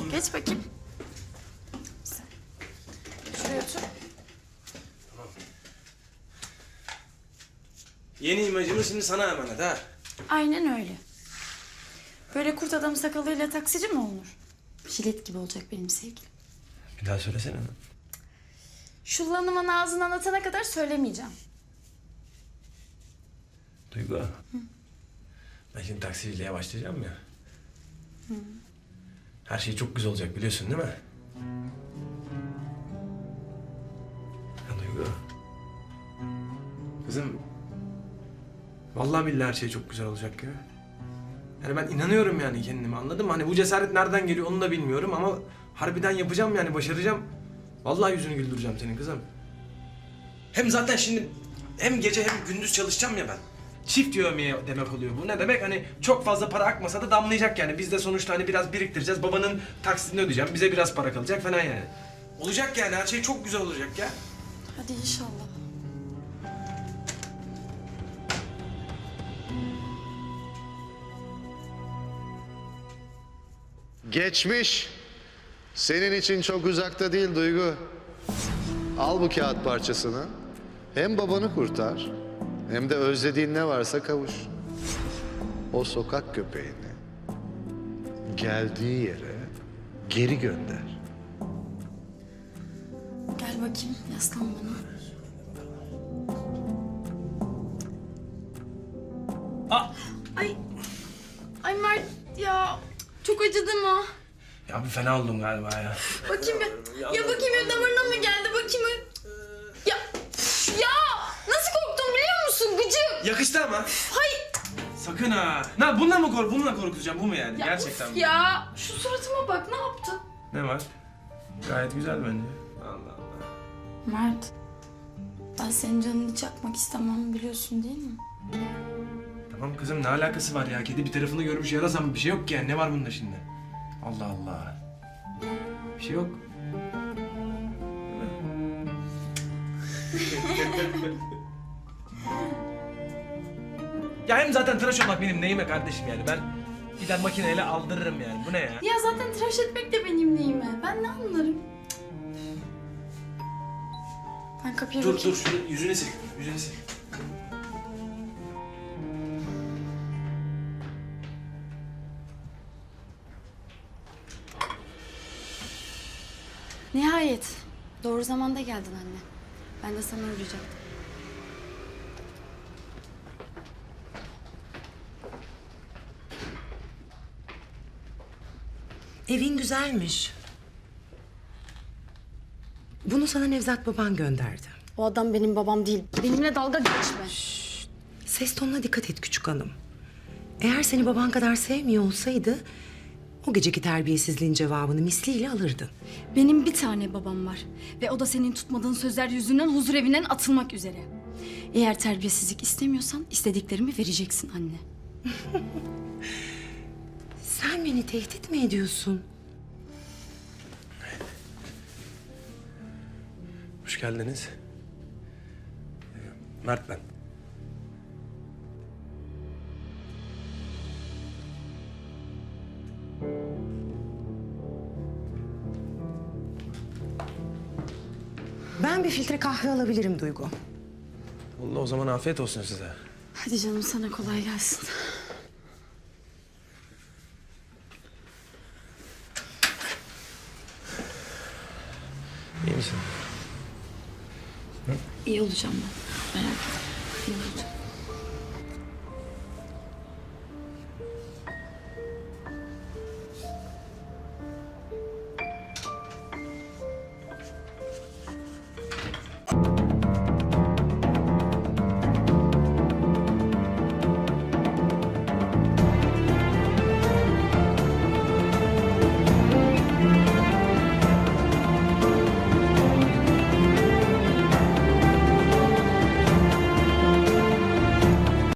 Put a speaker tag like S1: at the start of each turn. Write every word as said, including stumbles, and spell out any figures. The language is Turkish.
S1: Geç bakayım. Sen. Şuraya otur.
S2: Yeni imajımız şimdi sana emanet ha.
S1: Aynen öyle. Böyle kurt adam sakalıyla taksici mi olunur? Jilet gibi olacak benim sevgilim.
S2: Bir daha söylesene.
S1: Şu lanımın ağzından atana kadar söylemeyeceğim.
S2: Duygu. Hı. Ben şimdi taksiciliğe başlayacağım ya. Hı. Her şey çok güzel olacak biliyorsun değil mi? Ya Duygu. Kızım. Vallahi billahi her şey çok güzel olacak ya. Yani ben inanıyorum yani kendime, anladın mı? Hani bu cesaret nereden geliyor onu da bilmiyorum ama harbiden yapacağım yani, başaracağım. Vallahi yüzünü güldüreceğim senin kızım. Hem zaten şimdi hem gece hem gündüz çalışacağım ya ben. Çift yövmeye demek oluyor bu. Ne demek? Hani çok fazla para akmasa da damlayacak yani. Biz de sonuçta hani biraz biriktireceğiz. Babanın taksitini ödeyeceğim. Bize biraz para kalacak falan yani. Olacak yani, her şey çok güzel olacak ya.
S1: Hadi inşallah.
S3: Geçmiş senin için çok uzakta değil Duygu. Al bu kağıt parçasını. Hem babanı kurtar hem de özlediğin ne varsa kavuş. O sokak köpeğini geldiği yere geri gönder.
S1: Gel bakayım, yaslan bana.
S2: Aa!
S1: Ay, ay Mert ya, çok acıdı mı?
S2: Ya bir fena oldum galiba ya.
S1: Bakayım bir, ya bakayım bir damarına mı geldi, bakayım bir. Ya, ya nasıl korktum biliyor musun gıcık?
S2: Yakıştı ama.
S1: Hay.
S2: Sakın ha. Ne bununla mı kork bununla korkutacağım, bu mu yani?
S1: Ya
S2: Gerçekten
S1: uf
S2: mi?
S1: ya, şu suratıma bak, ne yaptın?
S2: Ne var? Gayet güzel bence. Allah Allah.
S1: Mert, ben senin canını çakmak istemem, biliyorsun değil mi?
S2: Tamam kızım, ne alakası var ya? Kedi bir tarafını görmüş yarasa mı? Bir şey yok ki yani. Ne var bunda şimdi? Allah Allah. Bir şey yok. Ya hem zaten tıraş olmak benim neyime kardeşim yani. Ben gider makineyle aldırırım yani. Bu ne ya?
S1: Ya zaten tıraş etmek de benim neyime. Ben ne anlarım? Ben kapıya
S2: Dur
S1: bakayım.
S2: dur, şunu yüzünü sil. Yüzünü sil.
S1: Nihayet. Doğru zamanda geldin anne. Ben de sana uğrayacaktım.
S4: Evin güzelmiş. Bunu sana Nevzat baban gönderdi.
S1: O adam benim babam değil. Benimle dalga geçme.
S4: Ses tonuna dikkat et küçük hanım. Eğer seni baban kadar sevmiyor olsaydı... ...o geceki terbiyesizliğin cevabını misliyle alırdın.
S1: Benim bir tane babam var. Ve o da senin tutmadığın sözler yüzünden huzur evinden atılmak üzere. Eğer terbiyesizlik istemiyorsan istediklerimi vereceksin anne.
S4: Sen beni tehdit mi ediyorsun?
S2: Hoş geldiniz. Mert ben.
S4: Ben bir filtre kahve alabilirim Duygu.
S2: Allah, o zaman afiyet olsun size.
S1: Hadi canım, sana kolay gelsin.
S2: İyi misin?
S1: İyi olacağım ben. Merak etme. İyi olacağım.